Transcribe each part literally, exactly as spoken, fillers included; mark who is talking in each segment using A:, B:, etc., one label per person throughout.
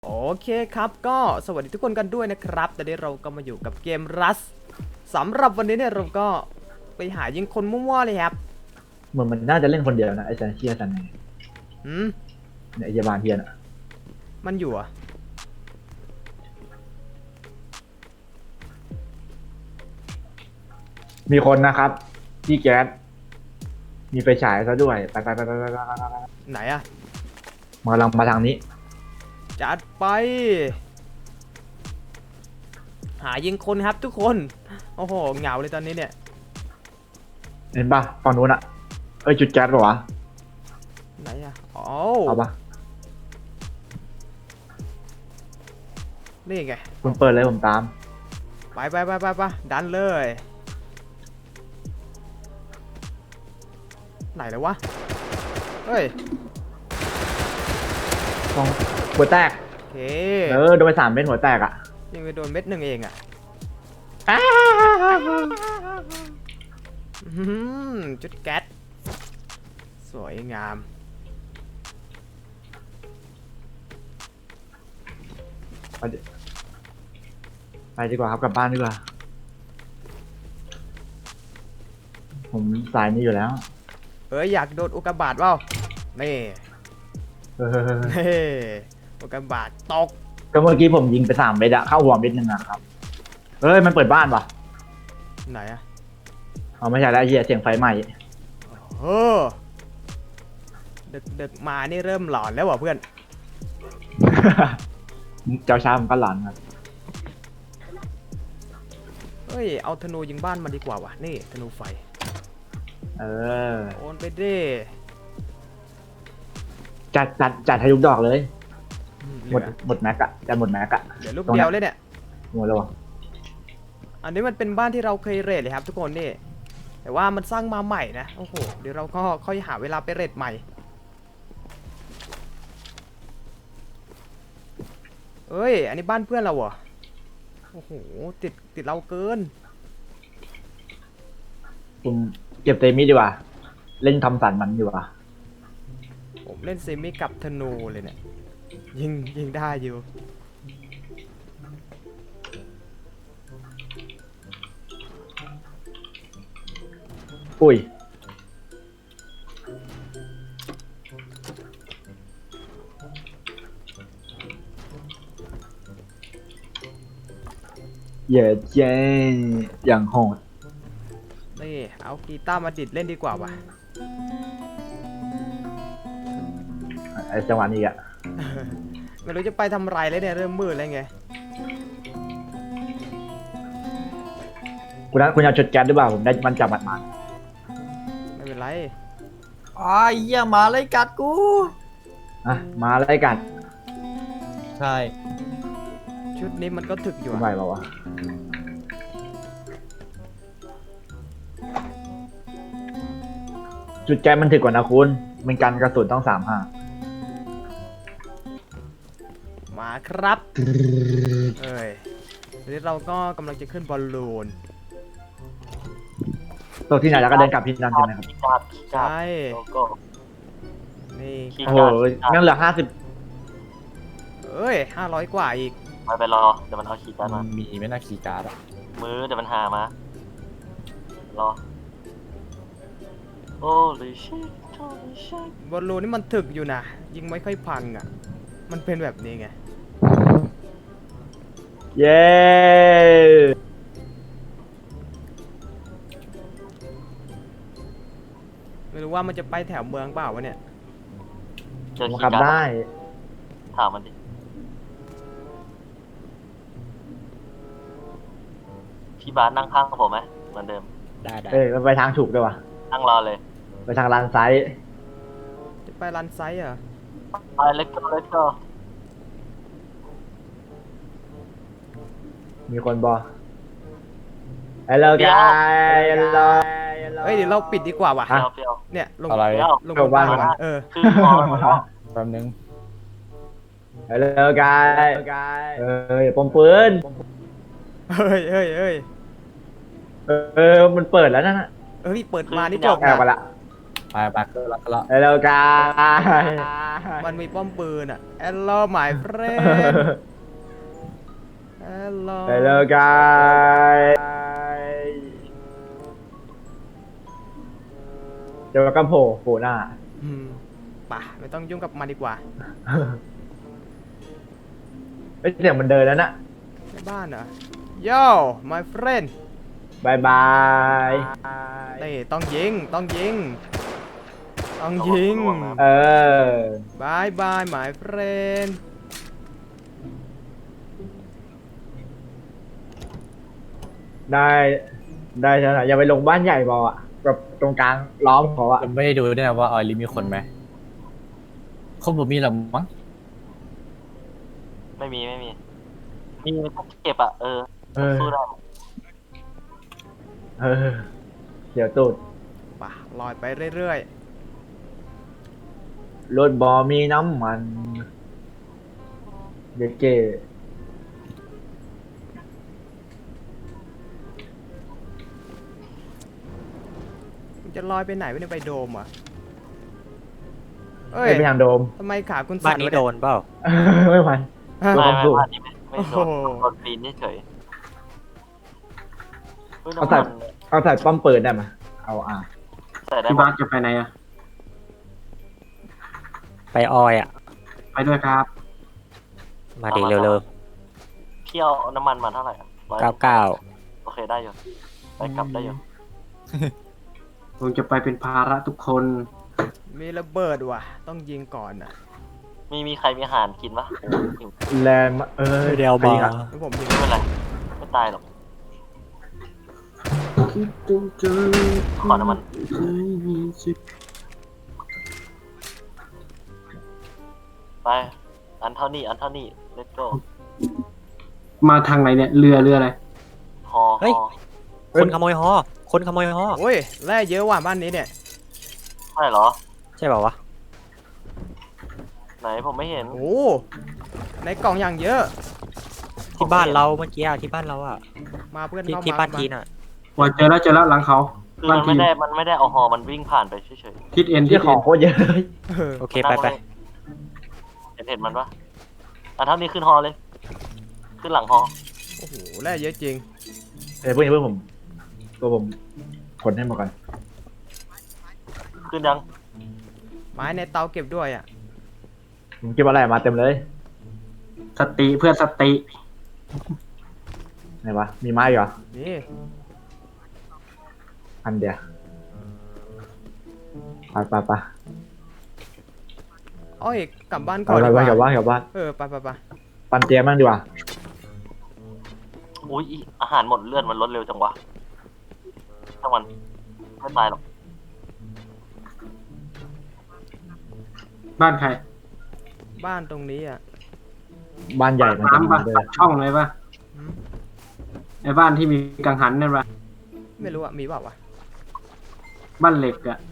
A: โอเคครับก็สวัสดีทุกคนกันด้วยนะครับตอนนี้เราก็มาอยู่กับเกม Rust สำหรับวันนี้เนี่ยเราก็ไปหายิงคนมั่วๆเลยครับ
B: เหมือนมันน่าจะเล่นคนเดียวนะไอ้ซันเชียซันเนี่ย
A: หืม
B: ไอ้ยาบานเทียนอ่ะ
A: มันอยู่อ่ะ
B: มีคนนะครับที่แก๊สมีไฟฉายซะด้วยไปไปไปไปไปไปไปไป
A: ไหนอ่ะ
B: มากำลังมาทางนี้
A: จัดไป หายิงคนครับทุกคน โอ้โหเหงาเลยตอนนี้เนี่ย
B: เห็นปะฝั่งนู้นอ่ะเอ้ยจุดแก๊สปะวะ
A: ไหนอ่ะอ๋อ
B: เอาปะ
A: นี่ไง
B: คุณเปิดเลยผมตาม
A: ไปไปไปไปไปดันเลยไหนเลยวะเฮ้ย
B: ฟองหัวแตก
A: โอเค
B: เออโดนไปสามเม็ดหัวแตกอ่ะ
A: ยังไปโดนเม็ดหนึ่งเองอ่ะอื้อหือจุดแก๊สสวยงาม
B: ไปดิไปดีกว่าครับกลับบ้านดีกว่าผมสายนี้อยู่แล้ว
A: เอ้ยอยากโดนอุกกาบาตเปล่านี่
B: เออ
A: นี่อุกกาบาตตก
B: ก็เมื่อกี้ผมยิงไปสามเม็ดอะเข้าหัวเม็ดหนึ่งอะครับเฮ้ยมันเปิดบ้านปะ
A: ไหนอะ
B: เอาไม่ใช่แล้วไอ้เหี้ยเสียงไฟใหม่
A: เออดึกดึกมานี่เริ่มหลอนแล้วว่ะเพื่อน
B: เจ้าชายผมก็หลอนครับ
A: เฮ้ยเอาธนูยิงบ้านมาดีกว่าว่ะนี่ธนูไฟ
B: เออ
A: โอนไปดิ
B: จัดจัดจัดให้ทุกดอกเลย
A: อืม
B: หมดหมดแม็กอะจัดหมดแม็กอะ
A: เหลือลูก
B: ตรงนั้น
A: เดียวเลยเนี่ย
B: หมดแล้ววะ
A: อันนี้มันเป็นบ้านที่เราเคยเรทเลยครับทุกคนนี่แต่ว่ามันสร้างมาใหม่นะโอ้โหเดี๋ยวเราก็ค่อยหาเวลาไปเรทใหม่เอ้ยอันนี้บ้านเพื่อนเราเหรอโอ้โหติดติดเราเกิน
B: ผมเก็บเตมิดีกว่า เล่นทำสันมันดีกว่า
A: ผมเล่นเซมิกับธนูเลยเนี่ยยิงยิงได้อยู่
B: อุ้ยเย้เย้อย่างโหด
A: นี่เอากีตาร์มาดิดเล่นดีกว่าว่ะ
B: ไอจังหวะนี้อะ
A: ไม่รู้จะไปทำไรเลยเนี่ยเริ่มมืดแล้วไง
B: คุณนัทคุณอยากจุดแก๊สหรือเปล่าผมได้มันจับมันมา
A: ไม่เป็นไร
C: อ้ายเหี้ยหมาไล่กัดกู
B: อ่ะมาไล่กัน
C: ใช่
A: ชุดนี้มันก็ถึกอยู่
B: ไหว
A: อะ
B: เปล่าวะจุดแก๊สมันถึกกว่านะคุณมันกันกระสุนต้องสามห้า
A: มาครับเอ้ยทีนี้เราก็กำลังจะขึ้นบอลลูน
B: ตกที่ไหนแล้วก็เดินกลับที่นั่นใช่ไหมครับ
C: ขี้กัดขี้กัด
A: ใช่
C: โลโก้
A: นี่
C: ขี้
B: โอ้โห
C: กัด
B: งั้นเหลือห้าสิบ
A: เอ้ยห้าร้อยกว่าอีก
C: ไปไปรอเดี๋ยวมันเอาขี้กัดมา
D: มีไม่น่าคีย์การ์ดอ่ะ
C: มือเดี๋ยวมันหามารอโอ้ลิชิตโอ้ลิชิต
A: บอลลูนนี่มันถึกอยู่นะยิงไม่ค่อยพังอ่ะมันเป็นแบบนี้ไง
B: เย้
A: ไม่รู้ว่ามันจะไปแถวเมืองเปล่าวะเนี่ย
C: เจอ
B: ผม
C: ขี้
B: ขับ
C: กัด
B: ได้
C: ถามมันดิพี่บาสนั่งข้างกับผมไหมเหมือนเดิม
D: ได้ได้
B: เอ้ยมันไปทางถูกด้วยวะ
C: นั่งรอเลย
B: ไปทางลานซ้าย
A: จะไปรันไซต์เหรอ
C: ไปเล็กก็เล็กก็
B: มีคนบอ Hello guys Hello
A: เอ้ยเดี๋ยวเราปิดดีกว่าว่ะ
C: เปรี้ยวเปรี้ยว
A: เนี่ยลง
D: อะไร
C: เปรี้ยว
A: ลงบนบ้านก่อนเออ
C: คือพอหมดแล้ว
D: แป๊บนึง
B: Hello guys เอ้ยปมปืน
A: เฮ้ยเฮ้ยเฮ้ย
B: เออมันเปิดแล้วนั่นน่ะ
A: เอ้ยเปิดมานี่จบ
B: แอบ
A: นะ
B: กันละ
D: ไปไปก็ละก็ละ
B: ไปแล้วกัน
A: มันมีป้อมปืนอ่ะ Hello my friend Hello
B: ไปแล้วกันเดี๋ยวก็โผล่โผล่หน้า
A: อืมป่ะไม่ต้องยุ่งกับมันดีกว่า
B: เฮ้ยเสียงมันเดินแล้วนะ
A: ในบ้านเหรอ Yo my friend
B: บายบาย
A: เต้ต้องยิง ต้องยิง ต้องยิง
B: เออบ
A: ายบาย my friend
B: ได้ได้ใช่ไหมอย่าไปลงบ้านใหญ่เปล่าอ่ะแบบตรงกลางล้อมเขาอ่ะ
D: ผมไม่ได้ดูด้วยนะว่าออยลิมีคนไหมคงผมมีหรอมั้ง
C: ไม่มีไม่มี มีต้องเก็บอ่ะ เออ
B: เออ
C: สู้ได้
B: เออเดี๋ยวตูด
A: ป่ะลอยไปเรื่อย
B: รถบอมีน้ำมันเด็กเก๋
A: ๆมันจะลอยไปไหนไม่ได้ไปโดมอ่ะเอ้ย
B: ไม่ไปทางโดม
A: ทำไมขาคุณ
E: บ้า
A: สั่
E: น
A: น
E: นี้
A: วะ
E: โด
A: เย
E: นเปล่า
B: ไม่มัน
A: ฮะ
B: โด
C: ไม่
B: น
C: ไม่
B: สูง
C: บ้านนี้ไม่ไม่โดน
A: โอ้โห
C: โดนปีนเฉยๆเฮ้ย
B: เอา
C: น้ำ
B: ใส่
C: มัน
B: เอาใส่ป้อมปืนได้ไหมเอาอ่ะ
C: ใส่ได้
F: พี่
C: หม
F: บา
C: ด
F: สจะไปไหนอ่ะ
E: ไปออยอ่ะ
F: ไปด้วยครับ
E: มาดีเร็ว
C: เคี่ยวน้ำมันมาเท่าไหร่อะร้อย
E: ๆเก้าเก้า
C: โอเคได้อยู่ไปกลับได้อยู่
F: ผมจะไปเป็นภาระทุกคน
A: มีระเบิดว่ะ ต้องยิงก่อนอ่ะ
C: มีมีใครมีอาหารกินปะโอ้โหหิว
B: แลนด์มาเออ
E: เดียวบอ
B: ใครกะ
A: แล้วผมยิง
C: ไม่เป็นไรไม่ตายหรอกขอน้ำมันไปอันเท่านี้อันเท่านี้ let's go
F: มาทางไหนเนี่ย เรือเรืออะไร
C: ฮอฮอ
E: คนขโมยฮอคนขโมยฮอ
A: โอ้ยแร่เยอะว่ะบ้านนี้เนี่ย
C: ใช่เหรอ
E: ใช่เปล่าวะ
C: ไหนผมไม่เห็น
A: โอ้ในกล่องอย่างเยอะ
E: ที่บ้านเราเมื่อกี้อะที่บ้านเราอ่ะ
A: มาเพื่อน
E: ที่
A: เข้า
E: ที่
A: มา
E: บ้านจีนอ่ะ
F: ว่าเจอแล้วเจอแล้วหลังเขา
C: คือ
F: บ้าน
C: มัน
F: ที
C: ไม่
F: ม
C: ได้มันไม่ได้เอาฮอมันวิ่งผ่านไปเฉย
F: ทิศเอ็นทิ
B: ที่
F: ศ
B: ข
F: เอ็
B: อง
F: น
B: โคตรเยอะเลย
A: เออ
E: โอเค
C: ๆ
E: ไปไป
C: นั่งเลยเห็นเห็นมันปะอันเท่านี้ขึ้นฮอเลย ขึ้นหลังฮอ
A: โอ้โหแร่เยอะจริง
B: เดี๋ยวเพื่อนเพื่อนผมตัวผมขนให้หมดก่อน
C: ขึ้นยัง
A: ไม้ในเตาเก็บด้วยอ่ะ
B: ผมเก็บอะไรมาเต็มเลย
F: สติเพื่อนสติ
B: ไหนวะมีไม้เหรอ
A: นี่
B: อันเดียวไปไปไป
A: อ้อยกลับบ้าน
B: ไป
A: ก่อน
B: ไป
A: ดีก
B: ไป
A: ว่าก
B: ลับบ้านกลับบ้าน
A: เออไปไปไป
B: ปันเตียมั่งดีกว่า
C: อุ้ยอีอาหารหมดเลือดมันลดเร็วจังวะทั้งวันไม่ตายหรอก
F: บ้านใคร
A: บ้านตรงนี้อ่ะ
B: บ้านใหญ่มันจะ
F: น้ำ
B: มี
F: ปะ
B: เลย
F: ช่องเลยปะ
A: หืม
F: ไอ้บ้านที่มีกังหันนั่นปะ
A: ไม่รู้อ่ะมีเปล่าวะ
F: บ้านเหล็กอะ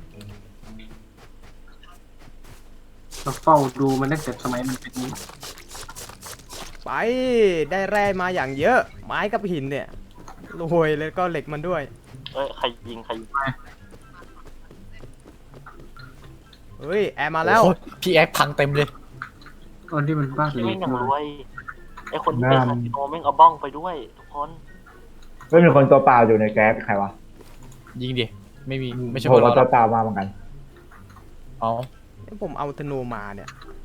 F: เราเฝ้าดูมันตั้งแต่สมัยมันเป็นนี้
A: ไปได้แร่มาอย่างเยอะ ไม้กับหินเนี่ยรวยแล้วก็เหล็กมันด้วย
C: เอ้ยใครยิงใครยิง
A: เฮ้ยแอร์มาแล้ว
D: โอ้ยพี่แอ๊กพังเต็มเลย
F: ตอนที่มันบ้านเห
C: ที่
F: ล็
C: ไม่
F: ก
C: งยัง
F: มาร
C: วยไอคนที่เป็นคาสิโนแม่งเอาบ้องไปด้วย ทุกคน
B: ไม่มีคนตัวเปล่าอยู่ในแก๊สใครวะ
D: ยิงดิไม่มีไม่ใช่
B: ผ
D: พว
B: ม
D: กเรา
B: เอา
D: หร
B: ตั
D: อ
B: ว
D: ก
B: เปล่ามาเหมือนกัน
D: อ๋อ
A: ผมเอาธนูมาเนี่ย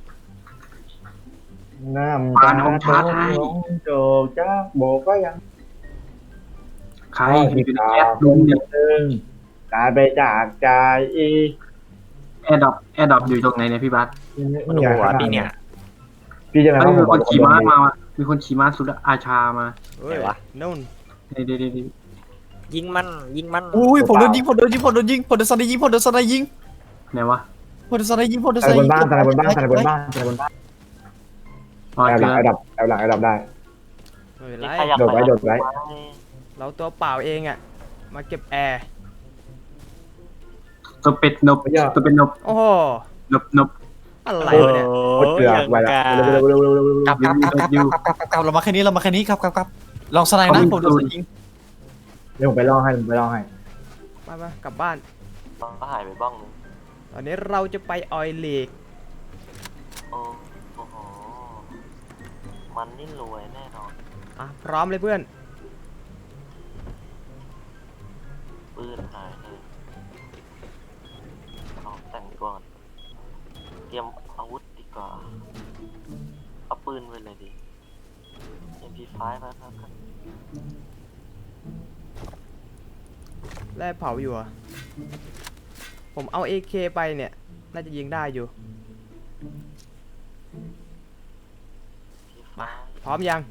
B: น้ำตาทองโจกจ้าโบก็ยัง
F: ใคร
B: มี
F: มีเป็น
B: ตา
F: แก๊ส
B: ค
F: ลุ
B: น
F: ง
B: ห
F: เนี่ย
B: นึ่งตายไปจากใจอี
F: แอร์ดรอปแอร์ดรอปอยู่ตรงไหนเนี่ยพี่บาส
E: มันหัวพี่เนี่ย
B: พี่จะไหน
F: เฮ้ย
B: ว่าผ
F: มี
B: ม
F: คนขี่ม้ามาว่ะมีคนขี่ม้าสุดอาชามา
A: เฮ้ย
E: ไหนวะ
A: นู่น
F: เดี๋ยวเดี๋ยวเดี๋ยว
E: ยิงมันยิงมัน
D: อุ้ยผมโดนยิงผมโดนยิงผมโดนยิงผมโดนสไนยิงผมโดนสไนยิง
F: ไหนวะ
D: ผมโดนสไนยิงผมโดนส
B: ตาย
D: ไน
B: บ
D: ยิ
B: น
D: ง
B: บ้านตายบนบ้านตายบนบ้านตายบนบ้าน
F: อ๋อ
B: แอบ
F: เจ
B: หลัง
F: อ
B: ไอ้ดับแอบหลังไอ้ดับได้
A: ไม่เป็นไร
C: ใครอยาก
B: โดดไว้
C: ป
B: โดดไว้
A: เราตัวเปล่าเองอ่ะ มาเก็บแอร์
F: ตัวเป็ดนบตัวเป็ดนบ
A: โอ้โห
F: นบนบ
A: อะไรวะเนี่ย
B: โคตรเกลือไว้ละเร็วเร็วเร็วเร็วเร็วเร็ว
D: กลับกลับกลับกลับกลับกลับกลับกลับเรามาแค่นี้เรามาแค่นี้ครับครับครับลองสไนนะผมโดนสไนยิง
B: เดี๋ยวผมไปลองให้ผมไปลองให้
A: มาไปกลับบ้าน
C: ก็หายไปบ้องนึง
A: ตอนนี้เราจะไปออยลีก
C: โอ้โอ้โหมันนี่รวยแน่นอน
A: อ่ะพร้อมเลยเพื่อน
C: ปืนหายเลยลองแต่งตัวก่อนเตรียมอาวุธดีกว่าเอาปืนไปเลยดิ เอ็ม พี ไฟว์ ไปครับ
A: แร่เผาอยู่อ่ะ ผมเอา เอ เค ไปเนี่ย น่าจะยิงได้อยู่ มา พร้อมยัง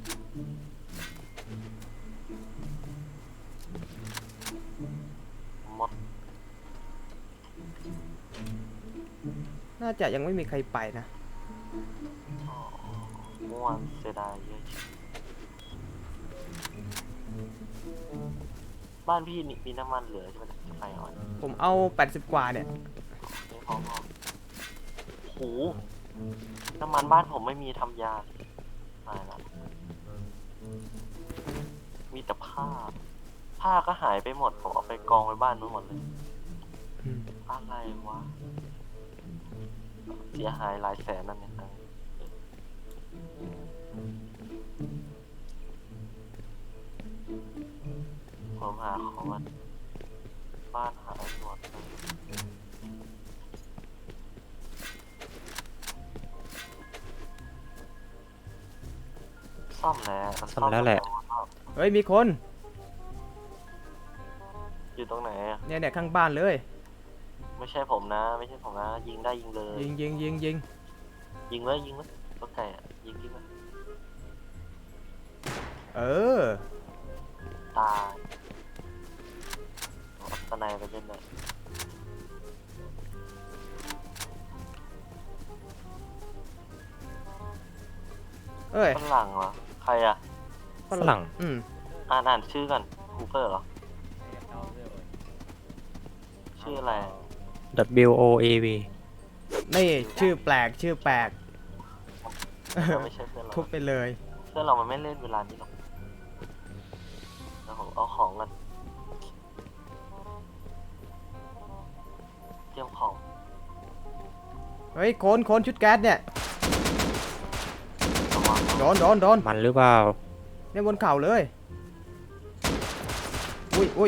C: หมด
A: น่าจะยังไม่มีใครไปนะ
C: อ๋อเมื่อวานเสียดายเยอะชิบ้านพี่นี่มีน้ำมันเหลือใช่ไหมจะไปอ่อน
A: ผมเอาแปดสิบกว่าเนี่ย
C: ไม่พร้อมหรอกโหน้ำมันบ้านผมไม่มีทำยาตายละมีแต่ผ้า ผ้าก็หายไปหมด ผมเอาไปกองไว้บ้านนู้นหมดเลย
A: อืม
C: อะไรวะ เสียหายหลายแสนนั่นเนี่ยผมหาของมันบ้านหายหมดเลยซ่อมแล้ว
E: ซ่อมแล้วแหละ
A: เฮ้ย มีคน
C: อยู่ตรงไหนอะ
A: เนี่ยเนี่ยข้างบ้านเลย
C: ไม่ใช่ผมนะ ไม่ใช่ผมนะ ยิงได้ยิงเลย
A: ยิงยิงยิงยิง
C: ยิงเลยยิงเลยตัวไก่อะยิงยิงเลย
A: เออ
C: ตายเอาสไนไปเล่นเลย
A: เอ้ย
C: ฝรั่งเหรอ ใครอะ
E: ฝรั่ง
A: อืม
C: อ่านอ่านชื่อกันคูเปอร์เหรอ ชื่ออะไร
E: W O A V
A: นี่ชื่อแปลกชื่อแปลก
C: ไม่ใช่เพื่อนเรา
A: ทุบไปเลย
C: เพื่อนเรามันไม่เล่นเวลานี้หรอกแล้วผมเอาของกันเตรียมของ
A: เฮ้ยโคนโคนชุดแก๊สเนี่ย
C: ระวัง
A: โดนโดนโดน
E: มันหรือเปล่า
A: เนี่ยบนเข่าเลย อุ้ยอุ้ย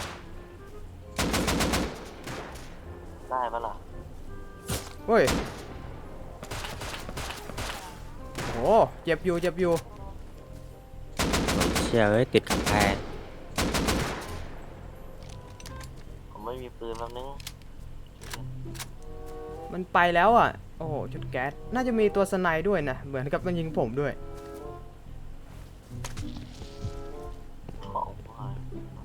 C: ได้ปะล่ะ
A: เฮ้ยโอ้โหเจ็บอยู่เจ็บอยู่
E: เชี่ยเอ้ยติดกำแพง
C: ผมไม่มีปืนแป๊บนึง
A: มันไปแล้วอ่ะ โอ้โหชุดแก๊ส น่าจะมีตัวสไนด์ด้วยนะ เหมือนกับมันยิงผมด้วย
C: ของหาย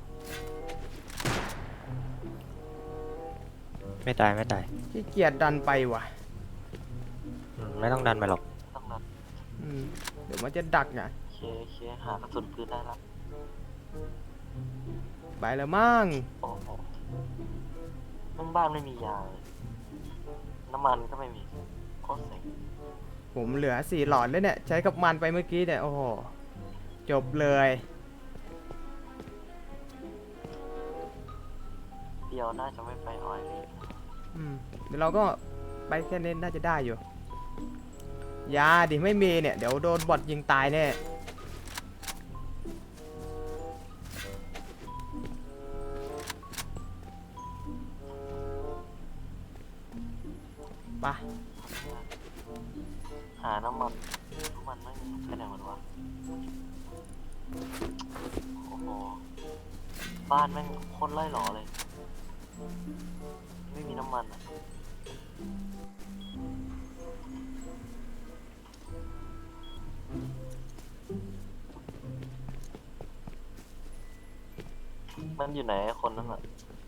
E: ไม่ตายไม่ตาย
A: ขี้เกียจดันไปว่ะ
E: อืมไม่ต้องดันไปหรอก
C: ต้องนัด
A: อืมเดี๋ยวมันจะดักไง
C: เคเคหากระสุนปืนได้ละ
A: ไปแล้วมั่ง
C: โอ้โหทั้งบ้านไม่มียาเลยน้ำมันก็ไม่มีโคตรเซ็ง
A: ผมเหลือสี่หลอดแล้วเนี่ย ใช้กับมันไปเมื่อกี้เนี่ย โอ้โห จบเลย
C: เดียวน่าจะไม่ไปออยเลย
A: อืมเดี๋ยวเราก็ไปแค่นี้น่าจะได้อยู่ ยาดิไม่มีเนี่ย เดี๋ยวโดนบอทยิงตายแน่ไป
C: หาน้ำมันน้ำมันไม่มีไปไหนหมดวะโอ้โหบ้านแม่งโคตรไล่หลอเลย ไม่มีน้ำมันอะมันอยู่ไหนไอ้คนนั้นอ่ะ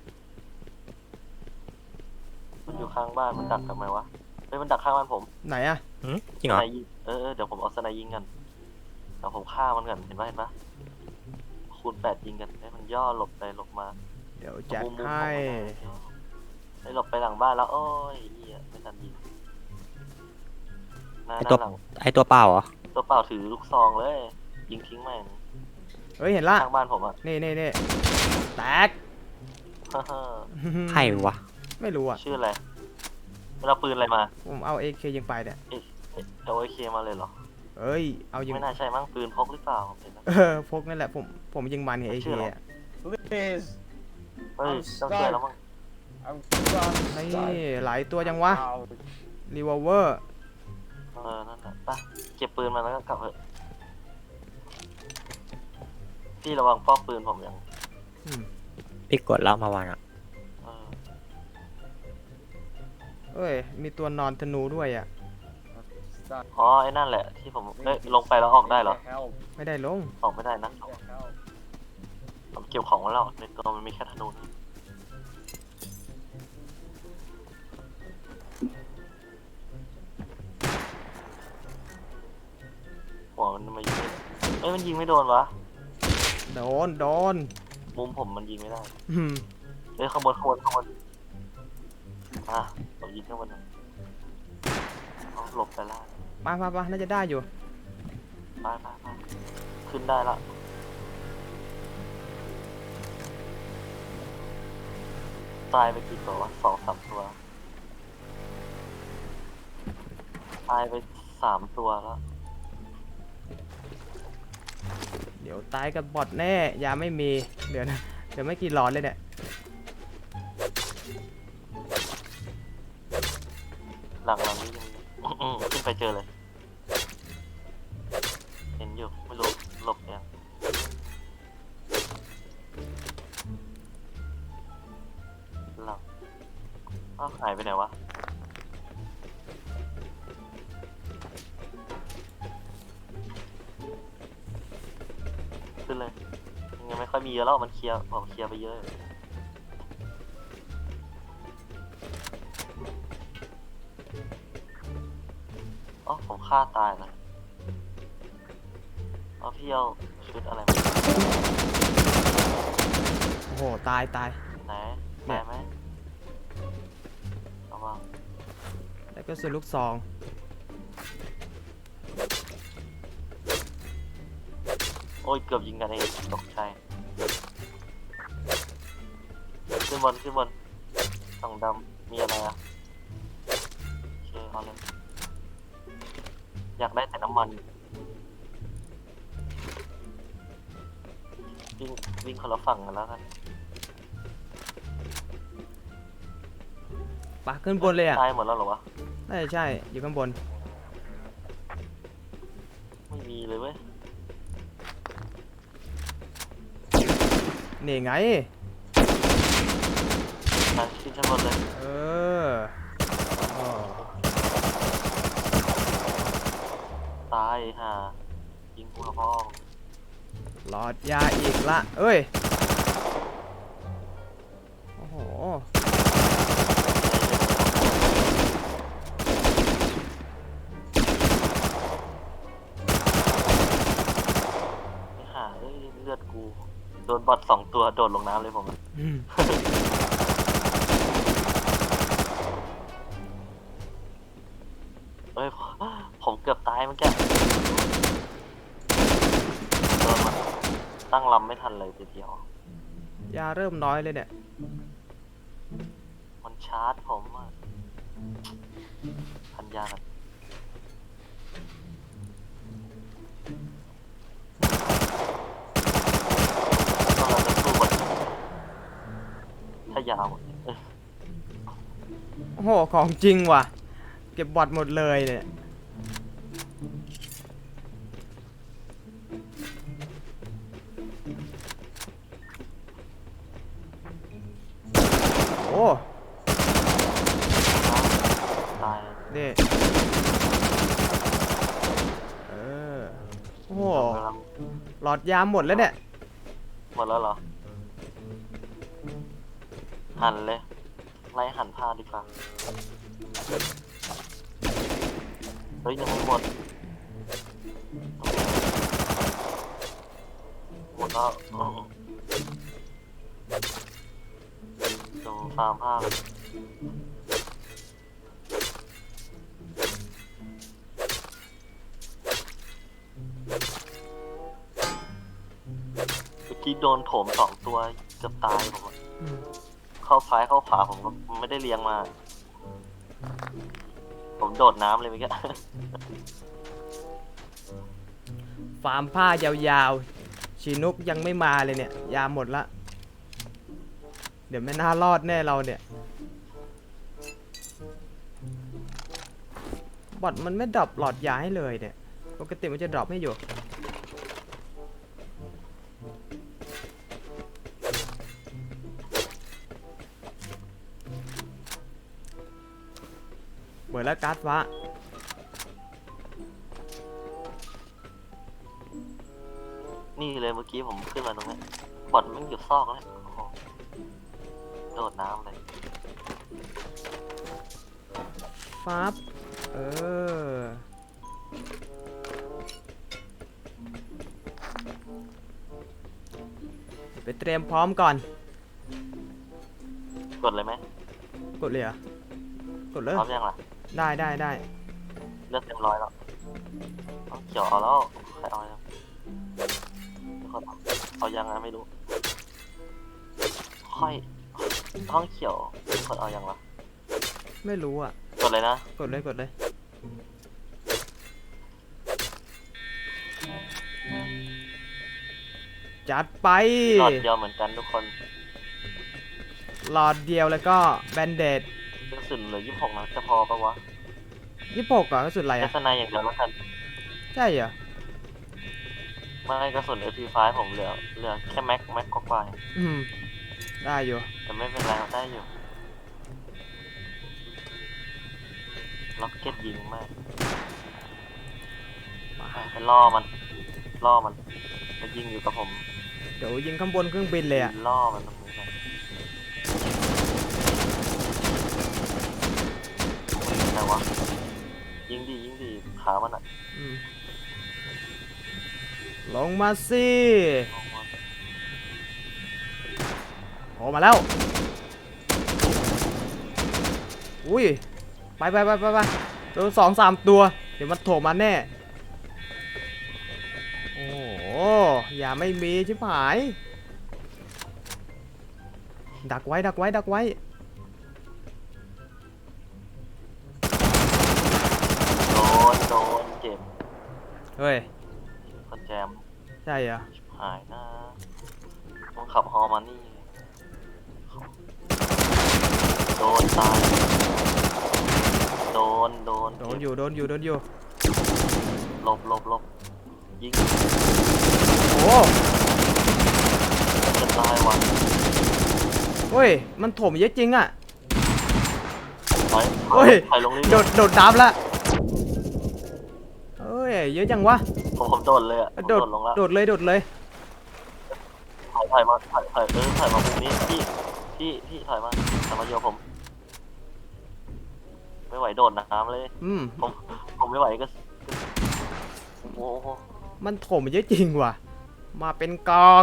C: มันอยู่ข้างบ้านมันดักทำไมวะเฮ้ยมันดักข้างบ้านผม
A: ไหนอะ
E: หืมจริงเหรอ
C: สไนยิงเออเออเดี๋ยวผมเอาสไนยิงกันเดี๋ยวผมฆ่ามันกันเห็นปะเห็นปะคูณแปดยิงกันให้มันย่อหลบไปหลบมา
A: เดี๋ยวจัด
C: มุมๆ
A: ให้
C: ให้หลบไปหลังบ้านแล้วโอ้ยเหี้ยไม่ทันยิงหน้า
E: ไอ
C: ห
E: ตัว
C: น้าหลัง
E: ไอตัวเปล่าเหรอ
C: ตัวเปล่าถือลูกซองเลย ยิงทิ้งแม่ง
A: เฮ้ย เห็นละ
C: ข้างบ้านผมอ่ะ
A: นี่นี่นี่แตก
E: ใครวะ
A: ไม่รู้อะ
C: ชื่ออะไรเวลาปืนอะไรมา
A: ผมเอา เอ เค ยิงไปเนี่ย
C: เอ๊ะเอ๊ะเอาไอเคมาเลยเหรอ
A: เอ้ยเอายิง
C: ไม่น่าใช่มั้งปืนพกหรือเปล่าผมเห็นนะ
A: เออพกนั่นแหละผมผมยิงมันไง เอ เค อะ
G: Please,
C: เฮ้ยต้องช่วยแล้วมั้ง
G: I'm done.
A: นี่หลายตัวจังวะ
G: Out.
A: รีวอลเวอร์
C: เออนั่นแหละไปเก็บปืนมาแล้วก็กลับเถอะพี่ระวังป้อกปืนผมยัง
E: พี่กดแล้วมาวางอ่ะ
C: เออ
A: เอ้ยมีตัวนอนธนูด้วยอ่ะ
G: Stop.
C: อ๋อไอ้นั่นแหละที่ผมเอ้ยลงไปแล้วออกได้เหรอ
G: Need the help.
A: ไม่ได้ลง
C: ออกไม่ได้นะ
G: Need the help.
C: ผมเก็บของไว้แล้วในตัวมันมีแค่ธนูนะหัวมันมายิงไม่เอ้ยมันยิงไม่โดนวะ
A: โดนโดน
C: มุมผมมันยิงไม่ได้
A: อืม
C: เอ้ยข้างบนข้างบนข้างบนอ่ะผมยิงข้างบนหน่อยเอาหลบไปแล้ว
A: มามามาน่าจะได้อยู่
C: ไปไปไปขึ้นได้ละตายไปกี่ตัววะสองสามตัว ตายไปสามตัวแล้ว
A: เดี๋ยวตายกับบอทแน่ยาไม่มีเดี๋ยวนะเดี๋ยวไม่กี่หลอดเลยเนี่ย
C: หลังหลังนี้ยังอื้อๆขึ้นไปเจอเลย เห็นอยู่ไม่รู้หลบยังหลังอ้าวหายไปไหนวะ ขึ้นเลยยังไม่ค่อยมีเยอะแล้วมันเคลียร์ผมเคลียร์ไปเยอะอ๋อผมฆ่าตายเลยอ๋อพี่เอาชุดอะไรมา
A: โอ้โหตายตาย
C: ไหน
A: เนี่
C: ตาย ยไหมระวัง
A: แล้วก็ส่วนลูกซอง
C: โอ้ยเกือบยิงกันเองตกใจขึ้นบนขึ้นบนส่องดำมีอะไรอ่ะโอเคเอาเลยอยากได้แต่น้ำมันวิ่งวิ่งคนละฝั่งกันแล้วกัน
A: ปะขึ้นบนเลยอ่ะ
C: ตายหมดแล้วเหรอวะ
A: น่าจะใช่อยู่ข้างบน
C: ไม่มีเลยเว้ย
A: นี่ไง
C: ตายขึ้นชั้นบนเลย
A: เอออ๋อ
C: ตายห่ายิงหัวพ่อ
A: หลอดยาอีกละเอ้ยโอ้โห
C: ไอ้ห่าเอ้ยเลือดกูโดนบอทสองตัวโดดลงน้ำเลยผมอะ
A: อืม
C: เอ้ยผมเกือบตายเมื่อกี้โดนมันตั้งลำไม่ทันเลยทีเดียวย
A: าเริ่มน้อยเลยเนี่ย
C: มันชาร์จผมอะพันยากันต้องเราจะสู้บอทถ้ายาวหมดเอ้ย
A: โอ้โหของจริงว่ะ เก็บบอทหมดเลยเนี่ยโอ้
C: ตาย
A: นี่เออโอ้โห
C: กำลัง
A: หลอดยาหมดแล้วเนี่ย
C: หมดแล้วเหรอ หั่นเลย ไล่หั่นผ้าดีกว่า เฮ้ยยังไม่หมด หมดแล้วอ๋อดูฟาร์มผ้าเลยเมื่อกี้โดนโถมสองตัวเกือบตายผมอะ
A: อืม
C: เข้าซ้ายเข้าขวาผมก็ไม่ได้เรียงมาผมโดดน้ำเลยเมื่อกี้
A: ฟาร์มผ้ายาวๆชีนุกยังไม่มาเลยเนี่ย ยาหมดละ เดี๋ยวไม่น่ารอดแน่เราเนี่ย บอทมันไม่ดรอปหลอดยาให้เลยเนี่ย ปกติมันจะดรอปให้อยู่ เปิดแล้วการ์ดฟ้า
C: นี่เลยเมื่อกี้ผมขึ้นมาตรงนี้บอดมันอยู่ซอกแล้วโอ้โหโดดน้ำเลย
A: ฟ้าบเออ ไปเตรียมพร้อมก่อน
C: กดเลยไหม
A: กดเลยเหรอ กดเลย
C: พร้อมยังล่ะ
A: ได้ได้ได้
C: เลือดเต็มร้อยแล้วเอาเขียวเอาแล้วใครเอายังมีคนเอาเอายังนะไม่รู้ค่อยห้องเขียวมีคนเอายังวะ
A: ไม่รู้อ่ะ
C: กดเลยนะ
A: กดเลยกดเลย จัดไป
C: หลอดเดียวเหมือนกันทุกคน
A: หลอดเดียวแล้วก็แบนเดด
C: กระสุนเหลือยี่สิบหกนะจะพอปะวะ
A: ยี่ปกอ่ะกระสุนอะไร
C: แค่
A: อ่ะ
C: สไนด์อย่างเดียวแล้วกัน
A: ใช่เหรอ
C: ไม่กระสุน เอ พี ไฟว์ ผมเหลือเหลือแค่แม็กแม็กกว่าๆ
A: อืม ได้อยู่
C: แต่ไม่เป็นไรครับได้อยู่ ล็อกเก็ตยิงมากไปล่อมัน ล่อมันมันยิงอยู่กับผม
A: เดี๋ยวยิงข้างบนเครื่องบินเลยอ่ะ
C: ล่อมันตรงนี้เลยยิงอะไรวะ ยิงดียิงดีขามันอ่ะ
A: อืม ลงมาสิ
C: ลงมา
A: โผล่มาแล้ว อุ้ย ไปไปไปไปไปโดนสองสามตัว เดี๋ยวมันโถมมาแน่ โอ้โห อย่าไม่มีชิบหาย ดักไว้ ดักไว้ ดักไว้
C: โดนโดนเจ็บ
A: เฮ้ย
C: คนแจม
A: ใช่เหรอ
C: ชิบหายนะต้องขับฮอมานี่ โดนตาย โดนโดน
A: โดนอยู่ โดนอยู่ โดนอยู่
C: หลบหลบหลบยิง
A: โอ้
C: จะตายว่ะ
A: เฮ้ย มันโถมเยอะจริงอ่ะ
C: ถอย
A: เฮ้ย
C: ถอยลงนี่
A: โดด โดดน้ำละเฮ้ย เยอะจังวะ
C: ผมผมโดดเลยอ่ะผม
A: โด
C: โด
A: ด
C: ดลงแล้ว
A: โดดเลย โดดเลย
C: ถอยถอยมาถอยถอยเออถอยมามุมนี้พี่พี่พี่ถอยมาถอยมาโยผม ไม่ไหวโดดน้ำเลย
A: อืม
C: ผมผมไม่ไหวก็โอ้โห
A: มันโถมเยอะจริงว่ะ มาเป็นกอง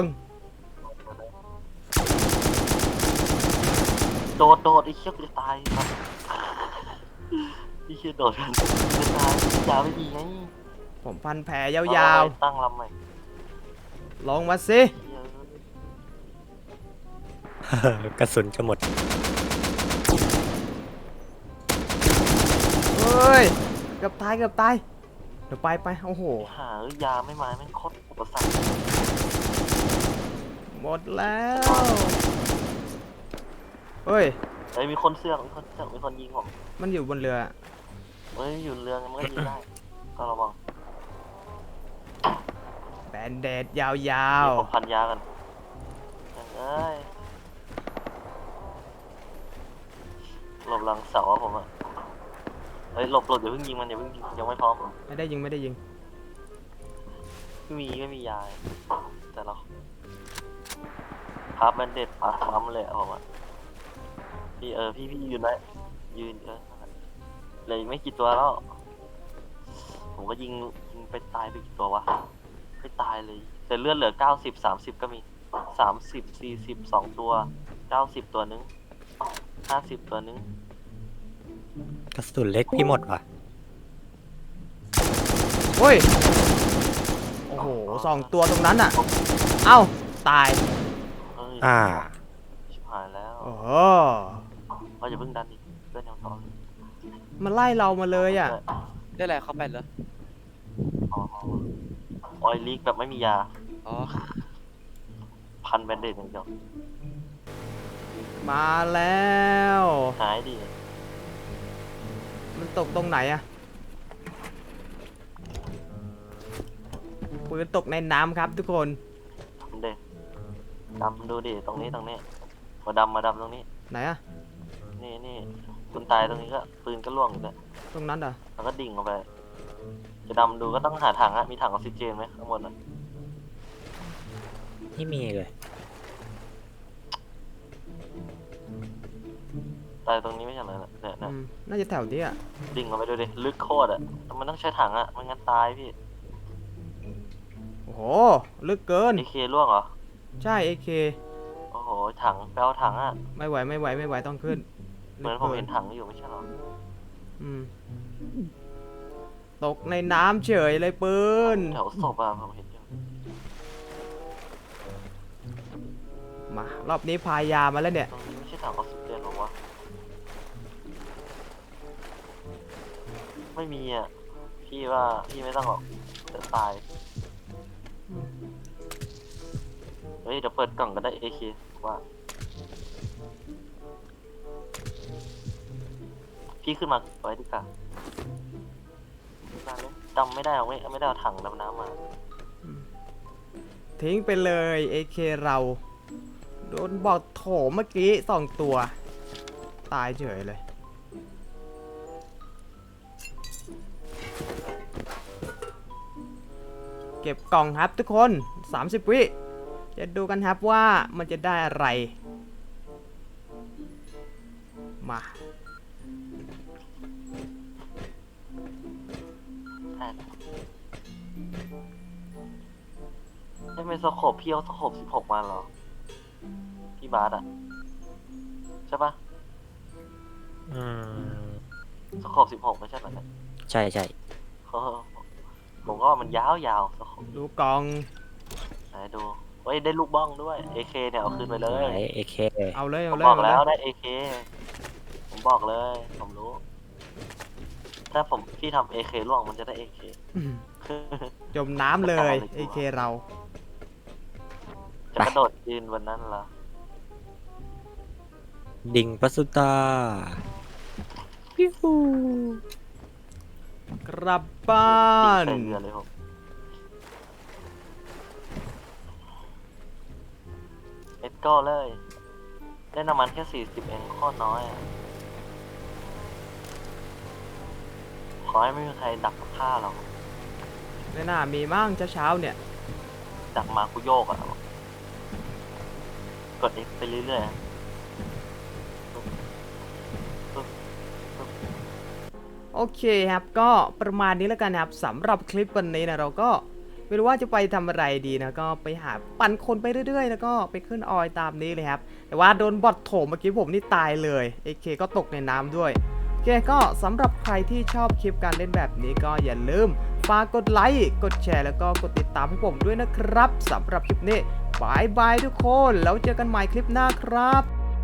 C: โดดโดดไอ้เชี่ยกูจะตายครับไอ้เชี่ยโดดกันจะตายยาไม่ดีไง
A: ผมพันแผลย
C: เอ
A: าว
C: ไปตั้งลำใหม่
A: ๆ ลงมาสิ
C: เหี้ย
E: กระสุนจะหมด
A: เฮ้ย เกือบตาย เกือบตาย เดี๋ยวไปไป โอ้โห
C: หายาไม่มาแม่งโคตรอุปสรรค
A: หมดแล้ว เฮ้ย
C: เฮ้ยมีคนเสือกมีคนเสือกมีคนยิงผม
A: มันอยู่บนเรือ
C: เฮ้ยอยู่เรือมันก็ยิงได้ ก็ระวัง
A: แบนเดดยาว
C: นี่ผมพันยากันเอ้ยหลบหลังเสาอะผมอะเฮ้ยหลบหลบอย่าเพิ่งยิงมันอย่าเพิ่งยิงยังไม่พร้อม
A: ๆ ไม่ได้ยิง ไม่ได้ยิง
C: ไม่มีไม่มียาแต่เราครับแบนเด็ดปากปั๊มเลยอะผมอะพี่เออพี่พี่ยืนได้ยืนเออเหลยไม่กี่ตัวแล้ว ผมก็ยิงยิงไปตายไปกี่ตัววะไม่ตายเลยแต่เลือดเหลือเก้าสิบสามสิบก็มีสามสิบสี่สิบสองตัวเก้าสิบตัวนึงห้าสิบตัวนึง
E: กระสุนเล็กพี่หมดว่ะ
A: เฮ้ย โอ้โหสองตัวตรงนั้นอ่ะ เอ้า ตาย
C: เฮ้ย
E: อ่า
C: ชิบหายแล้ว
A: โอ้โห
C: เราอย่าเพิ่งดันดิเพื่อนยังต่อ
A: มันไล่เรามาเลยอ่ะ
H: ได้อะไรเข้าไปเหรอ
C: อ๋อออยลีกแบบไม่มียา
H: อ๋อ
C: พันแบนเดจอย่างเดียว
A: มาแล้ว
C: หายดิ
A: มันตกตรงไหนอะปืนตกในน้ำครับทุกคน
C: ทำเด็กดำดูดิตรงนี้ตรงนี้มาดำมาดำตรงนี้
A: ไหนอะ
C: นี่นี่คุณตายตรงนี้ก็ปืนก็ล่วงอยู่เนี่ย
A: ตรงนั้นเหรอ
C: แล้วก็ดิ่งลงไป จะดำดูก็ต้องหาถังอะมีถังออกซิเจนไหมข้างบนอะ
E: ไม่มีเลย
C: ตายตรงนี้ไม่ใช่เหรอเนี่ย
A: อื
C: เนี่ย
A: มน่าจะแถวนี้อะ
C: ดิ่งลงไปดูดิลึกโคตรอะแต่มันต้องใช้ถังอะไม่งั้นตายพี่
A: โอ้โหลึกเกิน
C: เอเคล่วงเหรอ
A: ใช่เอเค
C: โอ้โหถังแปลวถังอะ
A: ไม่ไหวไม่ไหวไม่ไหวต้องขึ้น
C: เหมือนผมเห็นถังอยู่ไม่ใช่เหรอ
A: อืมตกในน้ำเฉยเลยปืน
C: แถวศพอะผมเห็นอยู่
A: มารอบนี้พายามาแล้วเนี่ย
C: ตรงนี้ไม่ใช่ถังออกซิเจนหรอวะไม่มีอะพี่ว่าพี่ไม่ต้องหรอกเดี๋ยวตายเฮ้ยเดี๋ยวเปิดกล่องก็ได้เอเคว่า พี่ขึ้นมาไว้ดีกว่ามาเลยจำไม่ได้หรอกไม่ไม่ได้เอาถังดำน้ำมา
A: ทิ้งไปเลยเอเคเรา โดนบอกโถเมื่อกี้สองตัว ตายเฉยเลย เก็บกล่องครับทุกคน สามสิบ วิ จะดูกันครับว่ามันจะได้อะไร มา
C: ใช่ไม่เป็นสโคปพี่เอาสโคปสิบหกมาเหรอ พี่บาสอะใช่ปะ
E: อืม
C: สโคปสิบหกไม่ใช่เหรอเนี่ย
E: ใช่ใช่
C: เออผมก็ว่ามันยาวยาวๆสโคป
A: ดูกล่อง
C: ไหนดูเฮ้ยได้ลูกบ้องด้วย เอเคเนี่ยเอาคืนไปเลย
E: ไหนเอเค
A: เอาเลย
C: ผ
A: เอา
C: ม
A: เลย
C: บอก
A: เอาเล
C: แล้ว
A: ย
C: ได้เอเคผมบอกเลย ผมรู้ ถ้าผมพี่ทำเอเคล่วงมันจะได้เอเค
A: อืมจมน้ำเลยเอเคเรา
C: จะกระโดดยืนวันนั้นเหรอ
E: ดิงปัสสุตา
A: กลับบ้าน
C: ใส่เรือเลยผมเอ็ดก็เลย ได้น้ำมันแค่สี่สิบเองโคตรน้อยอะขอให้ไม่มีใครดักฆ่าเรา
A: ในหน้ามีมั่งเช้าๆเนี่ย
C: ดักมาคุโยกอะกด X ไปเรื่อยๆอะ
A: โอเคครับก็ประมาณนี้แล้วกันนะครับสำหรับคลิปวันนี้นะเราก็ไม่รู้ว่าจะไปทำอะไรดีนะก็ไปหาปั่นคนไปเรื่อยๆ แล้วก็ไปขึ้นออยตามนี้เลยครับแต่ว่าโดนบอทโถมเมื่อกี้ผมนี่ตายเลยเอเคก็ตกในน้ำด้วยโอเคก็สำหรับใครที่ชอบคลิปการเล่นแบบนี้ก็อย่าลืมฝากกดไลค์กดแชร์แล้วก็กดติดตามให้ผมด้วยนะครับสำหรับคลิปนี้บายบายทุกคนแล้วเจอกันใหม่คลิปหน้าครับ